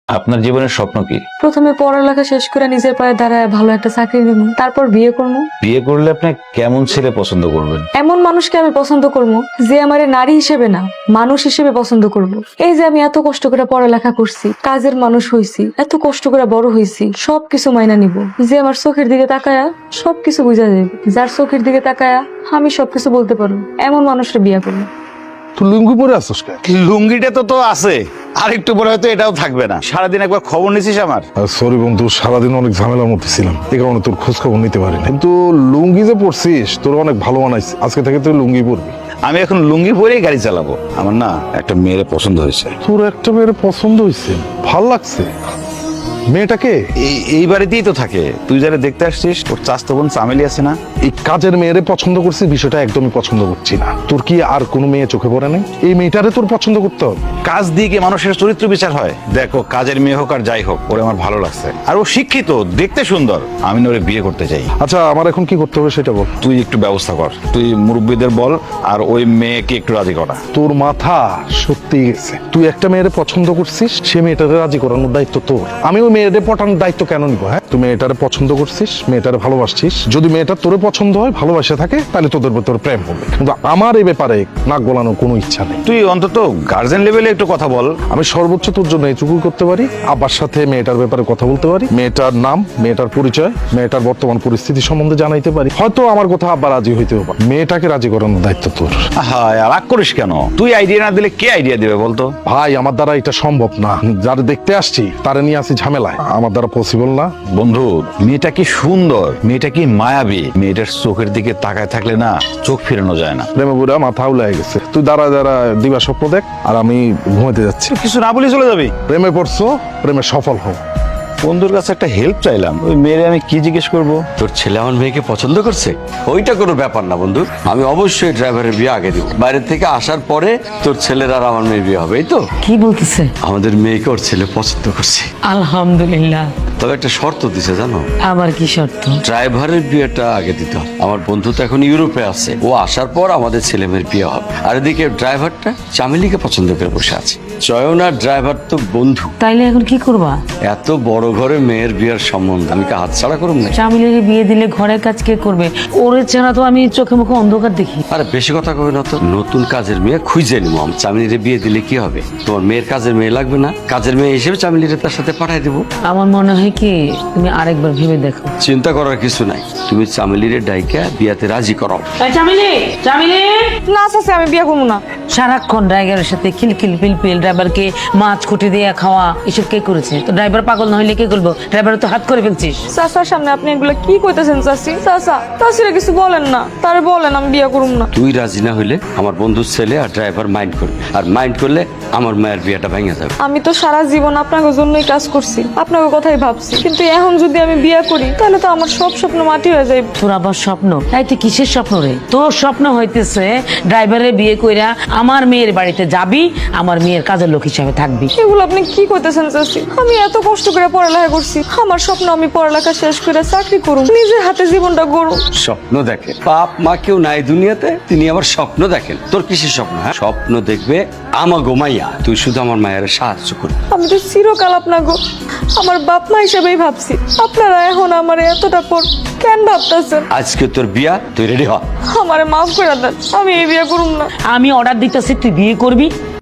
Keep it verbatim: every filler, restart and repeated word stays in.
আপনার জীবনের স্বপ্ন কি? প্রথমে পড়ালেখা শেষ করে নিজের পায়ে দাঁড়ায় ভালো একটা চাকরি নেব, তারপর বিয়ে করবো। বিয়ে করলে আপনি কেমন ছেলে পছন্দ করবেন? এমন মানুষকে আমি পছন্দ করবো যে আমার নারী হিসেবে না মানুষ হিসেবে পছন্দ করব। এই যে আমি এত কষ্ট করে পড়ালেখা করছি, কাজের মানুষ হইছি, এত কষ্ট করে বড় হইছি, সবকিছু মাইনা নিব। যে আমার চোখের দিকে তাকায়া সবকিছু বুঝা যাবে, যার চোখের দিকে তাকায়া আমি সবকিছু বলতে পারবো, এমন মানুষের বিয়ে করবো। তুই লুঙ্গি পরে আসছিস কেন? লুঙ্গিটা তো তো আছে, আর একটু পরে হয়তো এটাও থাকবে না। সারাদিন একবার খবর নিছিস আমার? সরি বন্ধু, সারাদিন অনেক ঝামেলার মধ্যে ছিলাম, এই কারণে তোর খোঁজ খবর নিতে পারিনি। কিন্তু লুঙ্গি যে পরছিস তোর অনেক ভালো মানাইছে, আজকে থেকে তুই লুঙ্গি পরবি। আমি এখন লুঙ্গি পরেই গাড়ি চালাবো। আমার না একটা মেয়ের পছন্দ হয়েছে। তোর একটা মেয়ের পছন্দ হয়েছে, ভাল লাগছে। মেয়েটাকে এই এই বাড়িতেই তো থাকে। তুই যারা দেখতে আসছিস, ওর চাস্তো বোন চামেলি আছে না? এই কাজের মেয়েরে পছন্দ করছিস, বিষয়টা একদমই পছন্দ করছি না। তোর কি আর কোনো মেয়ে চোখে পড়ে নাই? এই মেয়েটারে তোর পছন্দ করতে হবে। কাজ দিয়ে কি মানুষের চরিত্র বিচার হয়? দেখো, কাজের মেয়ে হোক আর যাই হোক, ওরে আমার ভালো লাগছে। আর ও শিক্ষিত, দেখতে সুন্দর। আমি না ওরে বিয়ে করতে চাই। আচ্ছা, আমার এখন কি করতে হবে সেটা বল। তুই একটু ব্যবস্থা কর, তুই মুরব্বীদের বল, আর ওই মেয়েকে একটু রাজি করা। তোর মাথা সত্যি গেছে। তুই একটা মেয়েরে পছন্দ করছিস, সে মেয়েটারে রাজি করানোর দায়িত্ব তোর। আমি ওই মেয়েরে পটানোর দায়িত্ব কেন নিবো? হ্যাঁ, তুই মেয়েটারে পছন্দ করছিস, মেয়েটারে ভালোবাসছিস। যদি মেয়েটা তোরে পছন্দ হয়, ভালোবাসা থাকে, তাহলে তোদের ভিতর প্রেম হবে। কিন্তু আমার এই ব্যাপারে নাক গলানোর কোনো ইচ্ছা নেই। তুই অন্তত গার্জেন লেভেলে একটু কথা বল। আমি সর্বোচ্চ তোর জন্য এইটুকু করতে পারি, আব্বার সাথে মেয়েটার ব্যাপারে কথা বলতে পারি, মেয়েটার নাম, মেয়েটার পরিচয়, মেয়েটার বর্তমান পরিস্থিতি সম্বন্ধে জানাইতে পারি। হয়তো আমার কথা আব্বা রাজি হইতেও পারে। মেয়েটাকে রাজি করানোর দায়িত্ব তোর। হ্যাঁ, রাগ করিস কেন? তুই আইডিয়া না দিলে কে আইডিয়া দেবে বলতো? ভাই, আমার দ্বারা এটা সম্ভব না। যারা দেখতে আসছি তারা নিয়ে আসি ঝামেলায়, আমার দ্বারা পসিবল না। বন্ধু, মেয়েটা কি সুন্দর, মেয়েটা কি মায়াবী। মেয়েটার চোখের দিকে তাকায় থাকলে না চোখ ফিরানো যায় না। প্রেমে বুড়া মাথা উলাই গেছে। তুই দাঁড়া দাঁড়া দিবা স্বপ্ন দেখ, আর আমি ঘুমাইতে যাচ্ছি। কিছু না বলে চলে যাবি? প্রেমে পড়ছো, প্রেমে সফল হও। বন্ধুর কাছে একটা হেল্প চাইলাম, ওই মেয়েরে আমি কি জিজ্ঞেস করবো? তোর ছেলে আমার মেয়েকে পছন্দ করছে, ওইটা কোনো ব্যাপার না বন্ধু। আমি অবশ্যই ড্রাইভারের বিয়ে আগে দিব। বাইরে থেকে আসার পরে তোর ছেলের আর আমার মেয়ের বিয়ে হবে, এই তো। কি বলতেছে? আমাদের মেয়েকে ওর ছেলে পছন্দ করছে। আলহামদুলিল্লাহ। তবে একটা শর্ত দিছে জানো? আবার কি শর্ত? ড্রাইভারের বিয়েটা আগে দিতে হবে। আমার বন্ধু তো এখন ইউরোপে আছে, ও আসার পর আমাদের ছেলে মেয়ের বিয়ে হবে। আর এদিকে ড্রাইভারটা চামেলিকে পছন্দ করে বসে আছে। চয়ন আর ড্রাইভার তো বন্ধু। তাইলে এখন কি করবা? এত বড় ঘরে মেয়ের বিয়ের সম্বন্ধ আমি কি হাতছাড়া করব না? চামিলের বিয়ে দিলে ঘরের কাজ কে করবে? ওরে ছাড়া তো আমি চোখে মুখে অন্ধকার দেখি। আরে বেশি কথা কবে না তো। নতুন কাজের মেয়ে খুঁজে নিব। আমি চামেলিরে বিয়ে দিলে কি হবে? তোমার মেয়ের কাজের মেয়ে লাগবে না? কাজের মেয়ে হিসেবে চামেলিরে তার সাথে পাঠাই দেবো। আমার মনে হয় কি তুমি আরেকবার ভেবে দেখো। চিন্তা করার কিছু নাই, তুমি চামেলিরে ডাইকা বিয়াতে রাজি করাও। চামিলি, চামিলি, না চাচা, আমি বিয়ে করবো না। সারাক্ষণ ড্রাইভারের সাথে খিলখিল পিলপিল, ড্রাইভারকে মাছ খুঁটি দিয়ে খাওয়া, এসব কে করেছে? তো ড্রাইভার পাগল না হইলে কে করবো? ড্রাইভার তো হাত করে ফেলছিস। চাচার সামনে আপনি এগুলো কি কইতেছেন চাচি? চাচা, চাচিরা কিছু বলেন না, তারে বলেন আমি বিয়ে করবো না। তুই রাজি না হইলে আমার বন্ধুর ছেলে আর ড্রাইভার মাইন্ড করবে, আর মাইন্ড করলে আমার মায়ের বিয়েটা ভেঙে যাবে। আমি তো সারা জীবন আপনাদের জন্যই কাজ করছি, আপনাদের কথাই ভাবছি, কিন্তু এখন যদি আমি বিয়ে করি তাহলে তো আমার সব স্বপ্ন মাটি হয়ে যাবে। তোর আবার স্বপ্ন? এই তুই কিসের স্বপ্ন রে? তোর স্বপ্ন হইতেছে ড্রাইভারের বিয়ে কইরা আমার মেয়ের বাড়িতে যাবি, আমার মেয়ের কাজের লোক হিসাবে থাকবি। এগুলো আপনি কি কইতেছেন চাচি? আমি এত কষ্ট করে পড়ালেখা করছি, আমার স্বপ্ন আমি পড়ালেখা শেষ করে চাকরি করুম, নিজের হাতে জীবনটা গড়ুম। স্বপ্ন দেখে বাপ মা কেউ নাই দুনিয়াতে, তিনি আবার স্বপ্ন দেখেন। তোর কিসের স্বপ্ন? হ্যাঁ, স্বপ্ন দেখবে আমা গোমাইয়া, তুই শুধু আমার মায়ের সাহায্য করবি। আমি তো চিরকাল আপনাকে আমার বাপ মা হিসেবেই ভাবছি, আপনারা এখন আমার এতটা পর কেন ভাবতেছেন? আজকে তোর বিয়া, তুই রেডি হ। আমারে মাফ করে দেন, আমি এই বিয়ে করুম না। আমি অর্ডার দিতেছি তুই বিয়ে করবি।